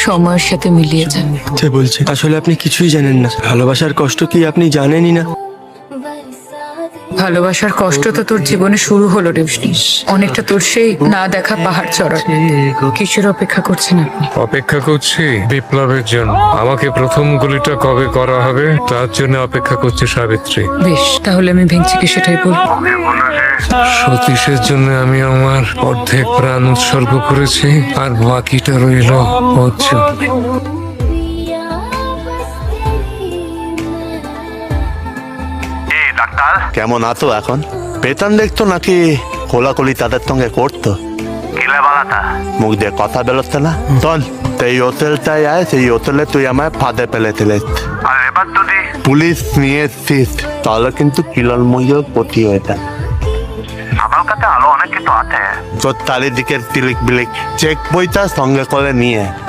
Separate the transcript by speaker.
Speaker 1: সময়ের সাথে মিলিয়ে যান।
Speaker 2: যে বলছে আসলে আপনি কিছুই জানেন না। ভালোবাসার কষ্ট কি আপনি জানেনই না?
Speaker 1: ভালোবাসার কষ্ট তো তোর জীবনে শুরু হলো রেবসি। অনেকটা তোর সেই না দেখা পাহাড় চড়া। কিসের অপেক্ষা করছেন আপনি?
Speaker 3: অপেক্ষা করছি বিপ্লবের জন্য। আমাকে প্রথম গুলিটা কবে করা হবে তার জন্য অপেক্ষা করছে সাবিত্রী।
Speaker 1: বেশ, তাহলে আমি ভেঙচিকে সেটাই বলবো।
Speaker 3: সতীশের জন্য আমি আমার অর্ধেক প্রাণ উৎসর্গ করেছি, আর বাকিটা রইল ওর জন্য।
Speaker 4: কেমন আছো এখন? বেতন দেখতো নাকি কোলাকুলি তাদের সঙ্গে করতো? মুখ দিয়ে কথা বেরোচ্ছে না। চল এই হোটেলটায় আয়, সেই হোটেলে তুই আমায় ফাঁদে ফেলেছিলিস। পুলিশ নিয়ে এসছিস, তাহলে কিন্তু কিলনময়ীর ক্ষতি হয়ে যায়।
Speaker 5: আমার কাছে আরো অনেক কিছু আছে।
Speaker 4: তোর চারিদিকের তিলিক বিলিক চেক বইটা সঙ্গে করে নিয়ে